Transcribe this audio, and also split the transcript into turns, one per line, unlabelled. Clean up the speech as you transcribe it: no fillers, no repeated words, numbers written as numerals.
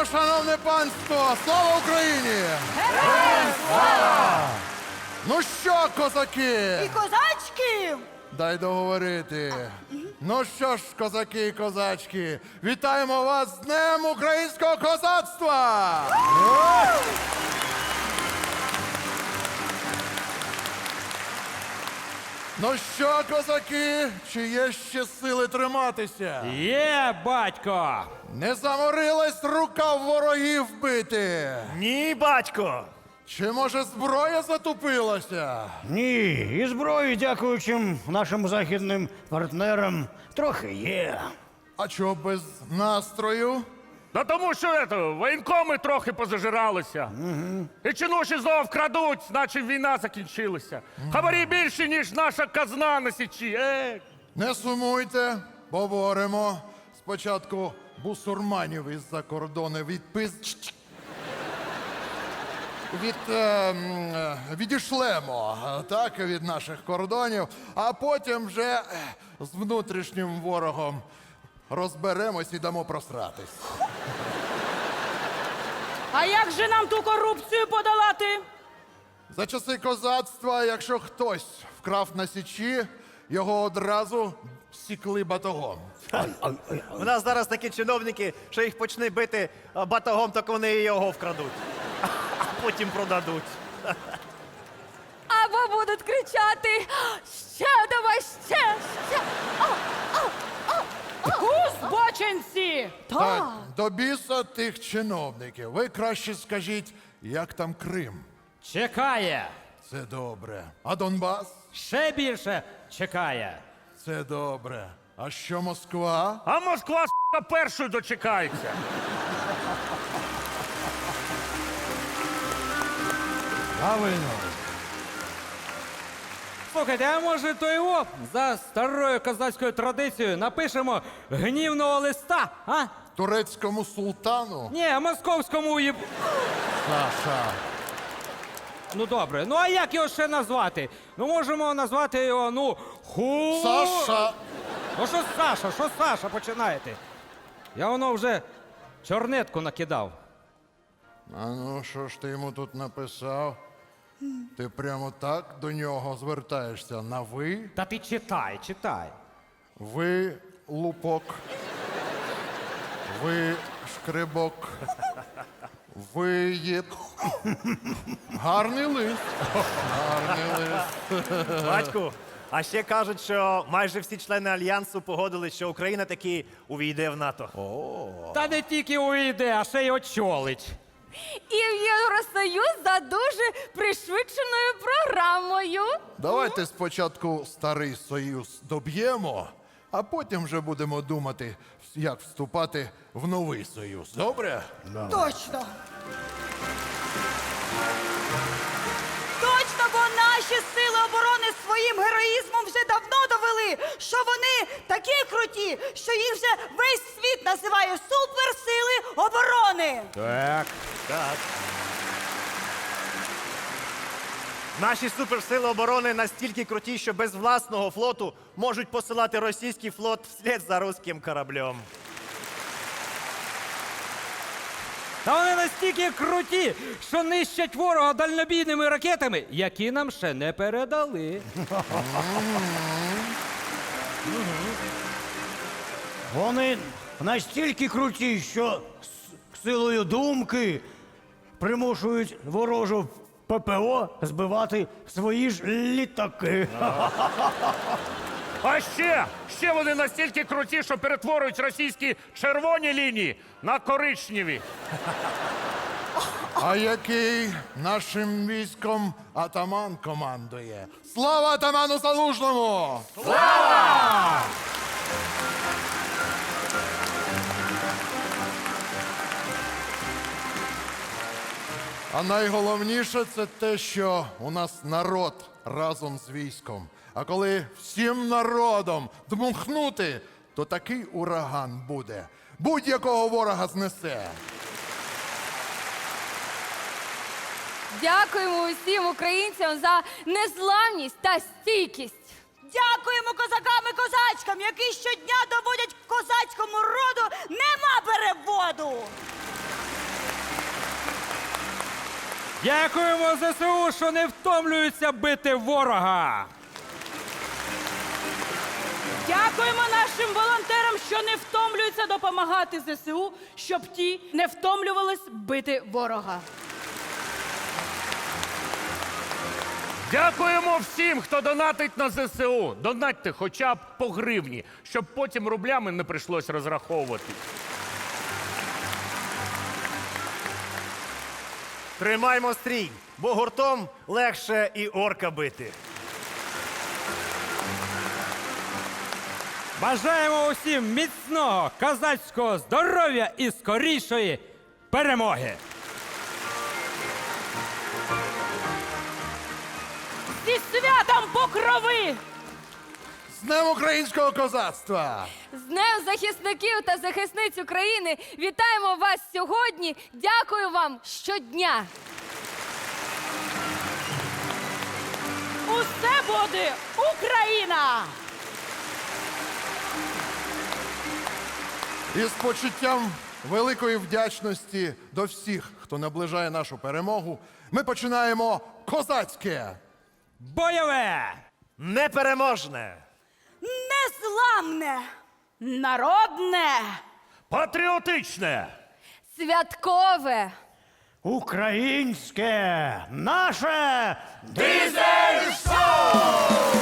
шановне панство! Слава Україні!
Героям слава!
Ну що, козаки?
І козачки!
Дай договорити. Ну що ж, козаки і козачки, вітаємо вас з Днем українського козацтва! Ну що, козаки, чи є ще сили триматися?
Є, батько!
Не заморилась рука в ворогів бити?
Ні, батько.
Чи може зброя затупилася?
Ні, і зброї, дякуючи нашим західним партнерам, трохи є.
А чого без настрою?
Да тому що воєнкоми трохи позажиралися. І чинуші знов вкрадуть, наче війна закінчилася. Хабарі більше, ніж наша казна на січі.
Не сумуйте, поборемо. Спочатку бусурманів із-за кордону відішлемо так, від наших кордонів, а потім вже з внутрішнім ворогом розберемось і дамо просратись.
А як же нам ту корупцію подолати?
За часи козацтва, якщо хтось вкрав на січі, його одразу сікли батогом.
У нас зараз такі чиновники, що їх почне бити батогом, так вони і його вкрадуть. А потім продадуть.
Або будуть кричати: ще давай, ще! Збочинці!
Так, до біса тих чиновників. Ви краще скажіть, як там Крим?
Чекає!
Це добре. А Донбас?
Ще більше чекає!
Це добре. А що Москва?
А Москва, с***, першою дочекається.
Правильно.
Слухайте, а може то його за старою козацькою традицією напишемо гнівного листа, а?
Турецькому султану?
Ні, московському їб...
Саша.
Ну добре, ну а як його ще назвати? Ну можемо назвати його, ну,
Саша.
Ну що Саша, починаєте? Я воно вже чорнетку накидав.
А ну, що ж ти йому тут написав? Ти прямо так до нього звертаєшся на ви?
Та ти читай.
Ви лупок. Ви шкребок. Ви є... Гарний лист. Гарний лист.
Батьку, а ще кажуть, що майже всі члени Альянсу погодились, що Україна таки увійде в НАТО.
Та не тільки увійде, а ще й очолить.
І в Євросоюз за дуже пришвидшеною програмою.
Давайте спочатку Старий Союз доб'ємо, а потім вже будемо думати, як вступати в новий союз. Добре?
Точно. Точно, бо наші сили оборони своїм героїзмом вже давно довели, що вони такі круті, що їх вже весь світ називає суперсили оборони.
Так.
Так. Наші суперсили оборони настільки круті, що без власного флоту можуть посилати російський флот вслід за руським кораблем.
Та вони настільки круті, що нищать ворога дальнобійними ракетами, які нам ще не передали.
Вони настільки круті, що силою думки примушують ворожу ППО збивати свої ж літаки.
А ще вони настільки круті, що перетворюють російські червоні лінії на коричневі.
А який нашим військом атаман командує? Слава атаману Залужному! Слава! А найголовніше це те, що у нас народ разом з військом. А коли всім народом дмухнути, то такий ураган буде. Будь-якого ворога знесе.
Дякуємо усім українцям за незламність та стійкість. Дякуємо козакам і козачкам, які щодня доводять козацькому роду нема переводу.
Дякуємо ЗСУ, що не втомлюються бити ворога.
Дякуємо нашим волонтерам, що не втомлюються допомагати ЗСУ, щоб ті не втомлювались бити ворога.
Дякуємо всім, хто донатить на ЗСУ. Донатьте хоча б по гривні, щоб потім рублями не прийшлось розраховувати.
Тримаймо стрій, бо гуртом легше і орка бити.
Бажаємо усім міцного козацького здоров'я і скорішої перемоги!
Зі святом Покрови!
З Днем українського козацтва!
З Днем захисників та захисниць України вітаємо вас сьогодні. Дякую вам щодня.
Усе буде Україна!
І з почуттям великої вдячності до всіх, хто наближає нашу перемогу, ми починаємо козацьке!
Бойове!
Непереможне!
Незламне!
Народне!
Патріотичне!
Святкове!
Українське! Наше!
Дизель-шоу!